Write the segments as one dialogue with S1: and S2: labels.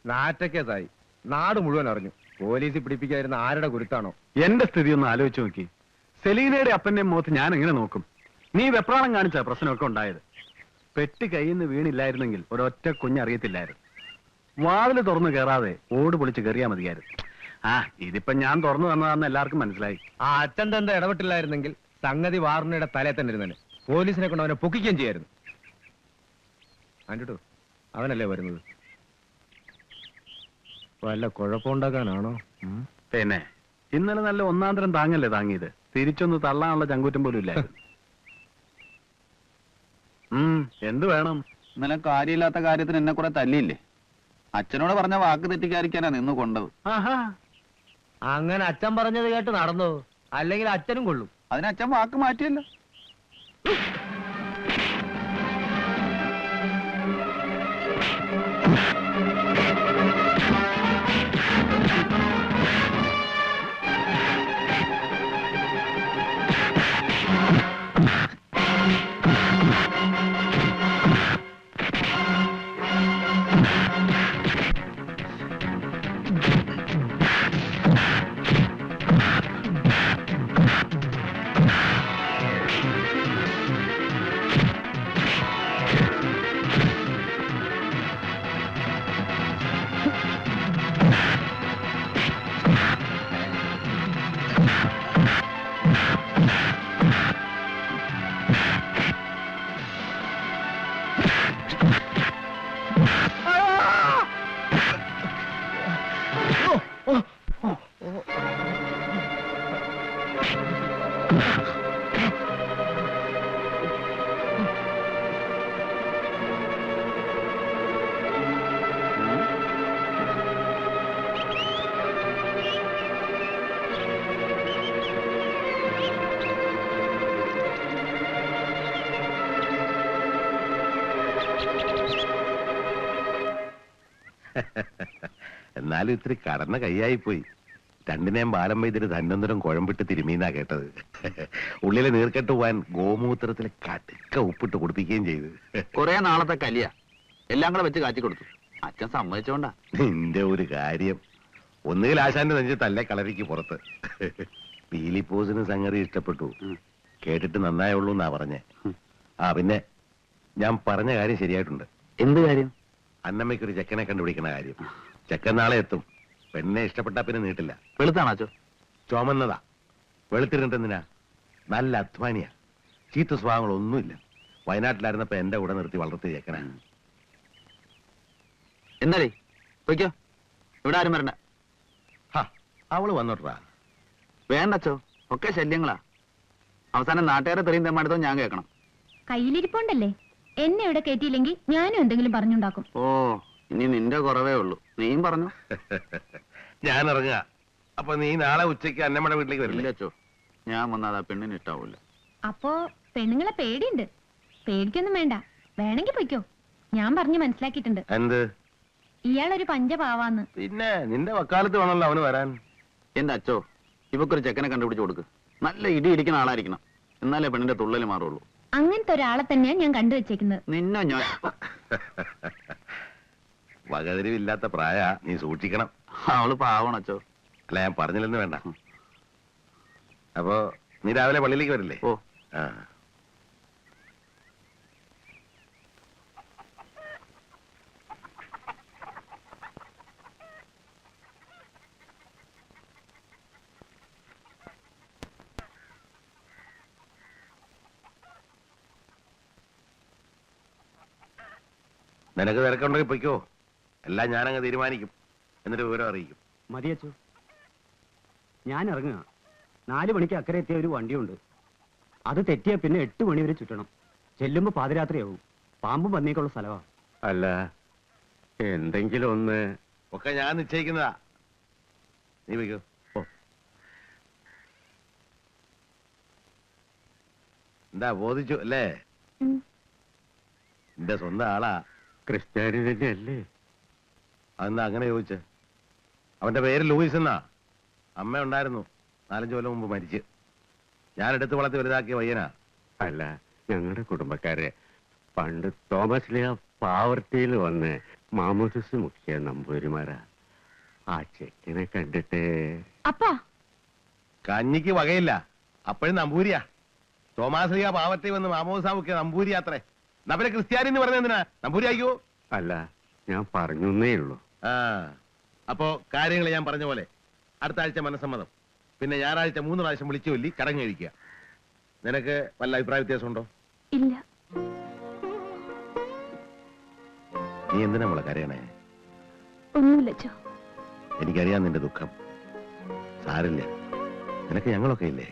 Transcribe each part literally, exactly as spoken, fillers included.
S1: നാറ്റക്കേസായി. നാട് മുഴുവൻ അറിഞ്ഞു. പോലീസ് പിടിപ്പിക്കാതിരുന്ന ആരുടെ കുരുത്താണോ?
S2: എന്റെ സ്ഥിതി ഒന്ന് ആലോചിച്ച് നോക്കി. സെലീനയുടെ അപ്പന്റെ മുഖത്ത് ഞാൻ എങ്ങനെ നോക്കും? നീ വെപ്രാളം കാണിച്ച പ്രശ്നമൊക്കെ ഉണ്ടായത്. പെട്ടി കയ്യിൽ നിന്ന് വീണില്ലായിരുന്നെങ്കിൽ ഒരൊറ്റ കുഞ്ഞറിയത്തില്ലായിരുന്നു. വാതില് തുറന്നു കയറാതെ ഓട് പൊളിച്ച് കയറിയാ മതിയായിരുന്നു. ആ ഇതിപ്പോ ഞാൻ തുറന്നു തന്നതാണെന്ന് എല്ലാവർക്കും മനസ്സിലായി.
S1: ആ അച്ഛൻ തന്നെ ഇടപെട്ടില്ലായിരുന്നെങ്കിൽ സംഗതി വാറുണ്ണയുടെ തലേ തന്നെ ഇരുന്നേനെ. പോലീസിനെ കൊണ്ട് അവനെ പൊക്കിക്കുകയും ചെയ്യായിരുന്നു. കണ്ടിട്ടു, അവനല്ലേ വരുന്നത്. വല്ല കുഴപ്പമുണ്ടാക്കാനാണോ?
S2: പിന്നെ ഇന്നലെ നല്ല ഒന്നാം തരം താങ്ങല്ലേ താങ്ങിയത്. തിരിച്ചൊന്ന് തള്ളാനുള്ള ചങ്കൂറ്റം പോലും ഇല്ലായിരുന്നു. ഉം എന്ത് വേണം?
S3: ഇന്നലെ കാര്യമില്ലാത്ത കാര്യത്തിന് എന്നെ കുറെ തല്ലിയില്ലേ? അച്ഛനോട് പറഞ്ഞ വാക്ക് തെറ്റിക്കാതിരിക്കാനാ നിന്ന് കൊണ്ടത്.
S2: ആഹാ,
S1: അങ്ങനെ അച്ഛൻ പറഞ്ഞത് കേട്ട് നടന്നു. അല്ലെങ്കിൽ അച്ഛനും കൊള്ളും.
S3: അതിന് അച്ഛൻ വാക്ക് മാറ്റിയല്ലോ.
S4: എന്നാലും ഇത്തിരി കടന്ന കൈയായിപ്പോയി. രണ്ടിനെയും ബാലം വൈദ്യര് തന്നൊന്നരം കുഴമ്പിട്ട് തിരുമീന്നാ കേട്ടത്. ഉള്ളിലെ നീർക്കെട്ട് പോവാൻ ഗോമൂത്രത്തിൽ കടുക്ക ഉപ്പിട്ട് കുടിപ്പിക്കുകയും ചെയ്ത്.
S3: കുറെ നാളത്തെ കലിയ എല്ലാം കൂടെ വെച്ച് കാച്ചി കൊടുത്തു. അച്ഛൻ സമ്മതിച്ചോണ്ടാ.
S4: നിന്റെ ഒരു കാര്യം, ഒന്നുകിൽ ആശാന്റെ നെഞ്ച് തല്ലേ കളരിക്ക് പുറത്ത്. പീലിപ്പോസിന് സംഗതി ഇഷ്ടപ്പെട്ടു. കേട്ടിട്ട് നന്നായുള്ളൂ എന്നാ പറഞ്ഞേ. ആ പിന്നെ ഞാൻ പറഞ്ഞ കാര്യം ശരിയായിട്ടുണ്ട്.
S3: എന്ത് കാര്യം?
S4: അന്നമ്മയ്ക്കൊരു ചെക്കനെ കണ്ടുപിടിക്കണ കാര്യം. ചെക്കൻ നാളെ എത്തും. പെണ്ണെ ഇഷ്ടപ്പെട്ടാ പിന്നെ നീട്ടില്ല.
S3: വെളുത്താണോ?
S4: ചുമന്നതാ. വെളുത്തിരുന്നിട്ടെന്തിനാ? നല്ല അധ്വാനിയാ. ചീത്ത സ്വഭാവങ്ങളൊന്നുമില്ല. വയനാട്ടിലായിരുന്നപ്പോ എന്റെ കൂടെ നിർത്തി വളർത്തി ചെക്കനാ.
S3: എന്നാലേ പൊയ്ക്കോ, ഇവിടെ ആരും വരണ്ട.
S4: അവള് വന്നോട്ടാ.
S3: വേണ്ടച്ചോ, ഒക്കെ ശല്യങ്ങളാ. അവസാനം നാട്ടുകാരെ തെറിയും തെമ്മാടുത്തോ ഞാൻ കേൾക്കണം.
S5: കയ്യിലിരിപ്പോണ്ടല്ലേ, എന്നെ ഇവിടെ കയറ്റിയില്ലെങ്കിൽ ഞാനും എന്തെങ്കിലും പറഞ്ഞുണ്ടാക്കും.
S3: ഓ, ഇനി നിന്റെ കുറവേ ഉള്ളൂ. നീയും പറഞ്ഞു.
S4: ഞാൻ ഇറങ്ങുക. അപ്പൊ നീ നാളെ ഉച്ചയ്ക്ക് അന്നമ്മയുടെ വീട്ടിലേക്ക് വരില്ലേ?
S3: ചോ, ഞാൻ വന്നാൽ ആ പെണ്ണിന് ഇഷ്ടാവൂല.
S5: അപ്പോ പെണ്ണുങ്ങളെ പേടിയുണ്ട്. പേടിക്കൊന്നും വേണ്ട, വേണമെങ്കിൽ പൊയ്ക്കോ. ഞാൻ പറഞ്ഞു മനസ്സിലാക്കിയിട്ടുണ്ട്.
S4: എന്ത്?
S5: ഇയാളൊരു പഞ്ചപാവാന്ന്.
S4: പിന്നെ നിന്റെ വക്കാലത്ത് വേണമല്ലോ അവന് വരാൻ.
S3: എന്റെ അച്ചോ, ഇവക്കൊരു ചെക്കനെ കണ്ടുപിടിച്ച് കൊടുക്ക്. നല്ല ഇടി ഇടിക്കുന്ന ആളായിരിക്കണം, എന്നാലേ പെണ്ണിന്റെ തുള്ളല് മാറുള്ളൂ.
S5: അങ്ങനത്തെ ഒരാളെ തന്നെയാണ് ഞാൻ കണ്ടുവച്ചേക്കുന്നത്.
S3: നിന്നെ ഞാൻ
S4: വകതിരിവില്ലാത്ത പ്രായ, നീ സൂക്ഷിക്കണം.
S3: അവള് പാവണച്ചോ.
S4: അല്ല, ഞാൻ പറഞ്ഞില്ലെന്ന് വേണ്ട. അപ്പോ നീ രാവിലെ പള്ളിയിലേക്ക് വരില്ലേ?
S3: ഓ.
S4: ആ, നിനക്ക് തിരക്കുണ്ടെങ്കിൽ പൊയ്ക്കോ. എല്ലാം ഞാനങ്ങ് തീരുമാനിക്കും. എന്നിട്ട് വിവരം അറിയിക്കും.
S6: മതിയച്ചോ, ഞാൻ ഇറങ്ങുക. നാലു മണിക്ക് അക്കരെ എത്തിയ ഒരു വണ്ടിയുണ്ട്. അത് തെറ്റിയ പിന്നെ എട്ട് മണി വരെ ചുറ്റണം. ചെല്ലുമ്പോ പാതിരാത്രിയാവും. പാമ്പും പന്നിയൊക്കെയുള്ള സ്ഥലമാ.
S2: അല്ല, എന്തെങ്കിലും ഒന്ന്
S4: ഒക്കെ ഞാൻ നിശ്ചയിക്കുന്നതാ. നീ വയ്ക്കോ. എന്താ ബോധിച്ചു അല്ലേ? എന്റെ സ്വന്തം ആളാ.
S2: ക്രിസ്ത്യാനി തന്നെയല്ലേ?
S4: അതെന്താ അങ്ങനെ ചോദിച്ചേ? അവന്റെ പേര് ലൂയിസ് എന്നാ. അമ്മ ഉണ്ടായിരുന്നു, നാലഞ്ചു കൊല്ലം മുമ്പ് മരിച്ച്. ഞാൻ എടുത്ത് വളർത്തി വലുതാക്കിയ പയ്യനാ.
S2: അല്ല, ഞങ്ങളുടെ കുടുംബക്കാരെ പണ്ട് തോമസ് ലിയ പാവർട്ടിയിൽ വന്ന്
S6: മാമോദിസ് മുഖ്യ നമ്പൂരിമാരാ. ആ ചെക്കനെ കണ്ടിട്ട്
S5: അപ്പാ
S4: കഞ്ഞിക്ക് വകയില്ല, അപ്പോഴും നമ്പൂരിയാ. തോമാശ്രീയ പാവത്തെ വന്ന് മാമോസാമുക്ക് നമ്പൂരി അത്രേ. നവരെ ക്രിസ്ത്യാനി എന്ന് പറഞ്ഞ എന്തിനാ നമ്പൂരി ആയിക്കോ?
S6: അല്ല, ഞാൻ പറഞ്ഞേ ഉള്ളൂ.
S4: ആ അപ്പോ കാര്യങ്ങൾ ഞാൻ പറഞ്ഞ പോലെ അടുത്ത ആഴ്ച മനസ്സമ്മതം, പിന്നെ ഞായറാഴ്ച മൂന്ന് പ്രാവശ്യം വിളിച്ചു ചൊല്ലി ചടങ്ങ് കഴിക്കുക. നിനക്ക് വല്ല അഭിപ്രായ വ്യത്യാസമുണ്ടോ?
S5: ഇല്ല.
S4: നീ എന്തിനാ മോളെ കരയണേ?
S5: ഒന്നുമില്ല.
S4: എനിക്കറിയാം നിന്റെ ദുഃഖം. സാരില്ല, നിനക്ക് ഞങ്ങളൊക്കെ ഇല്ലേ?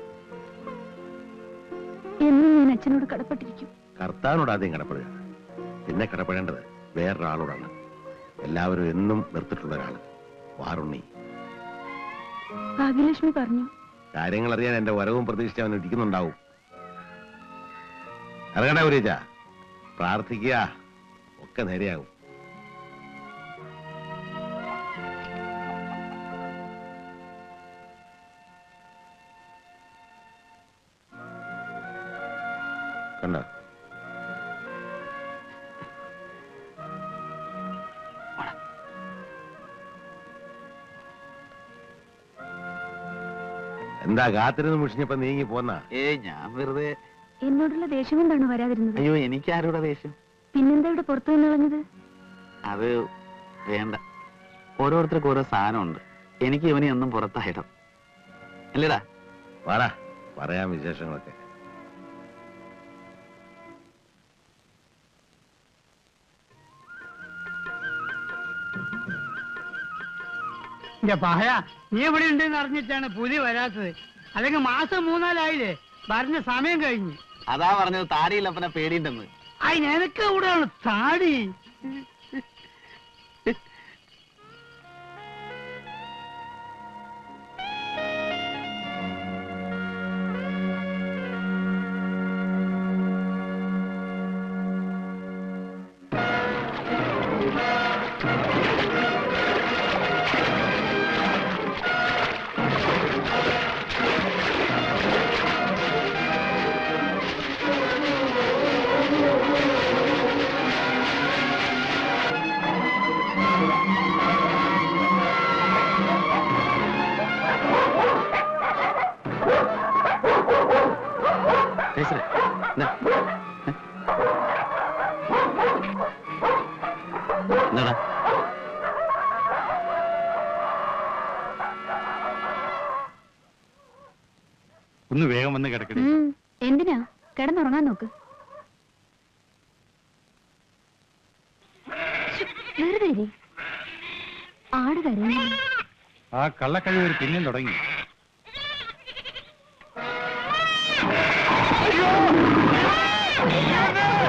S5: എന്നും ഞാൻ അച്ഛനോട് കടപ്പെട്ടിരിക്കും.
S4: കർത്താവിനോട് ആദ്യം കടപ്പെടുക, പിന്നെ കടപ്പെടേണ്ടത് വേറൊരാളോടാണ്. എല്ലാവരും എന്നും നിർത്തിട്ടുള്ള ഒരാള്, വാറുണ്ണി.
S5: ഭാഗ്യലക്ഷ്മി പറഞ്ഞു.
S4: കാര്യങ്ങൾ അറിയാൻ എന്റെ വരവും പ്രതീക്ഷിച്ച് അവൻ ഇരിക്കുന്നുണ്ടാവും. ഇറങ്ങട്ടെ ഗുരുജ, പ്രാർത്ഥിക്കുക, ഒക്കെ നേരെയാകും. കണ്ടോ? എന്താ കാത്തിരുന്ന് മുഷിഞ്ഞപ്പോ നീങ്ങി പോന്നാ?
S3: ഏ ഞാൻ വെറുതെ.
S5: എന്നോടുള്ള ദേഷ്യം കൊണ്ടാണ് വരാതിരുന്നത്.
S3: അയ്യോ, എനിക്ക് ആരോടെ ദേഷ്യം?
S5: പിന്നെന്താ ഇവിടെ പുറത്തു നിന്ന് കളഞ്ഞത്?
S3: അത് വേണ്ട, ഓരോരുത്തർക്കും ഓരോ സാധനമുണ്ട്. എനിക്ക് ഇവനെ ഒന്നും പുറത്തായിടം അല്ലേടാ.
S4: വാടാ, പറയാം വിശേഷങ്ങളൊക്കെ.
S7: പഹയ നീ ഇവിടെ ഉണ്ടെന്ന് അറിഞ്ഞിട്ടാണ് പുലി വരാത്തത്. അല്ലെങ്കിൽ മാസം മൂന്നാലായില്ലേ, പറഞ്ഞ സമയം കഴിഞ്ഞു.
S3: അതാ പറഞ്ഞത് താടിയില്ലപ്പനെ പേടിയുണ്ടെന്ന്.
S7: അയ് നിനക്ക് എവിടെയാണ് താടി?
S3: എന്താടാ?
S2: ഒന്ന് വേഗം വന്ന് കിടക്കണേ.
S5: എന്തിനാ? കിടന്നുറങ്ങാൻ നോക്ക്. വെറുതെ ഇരി. ആട് കരയുന്നു.
S2: ആ കള്ളക്കഴിവ് പിന്നെയും തുടങ്ങി.
S7: അയ്യോ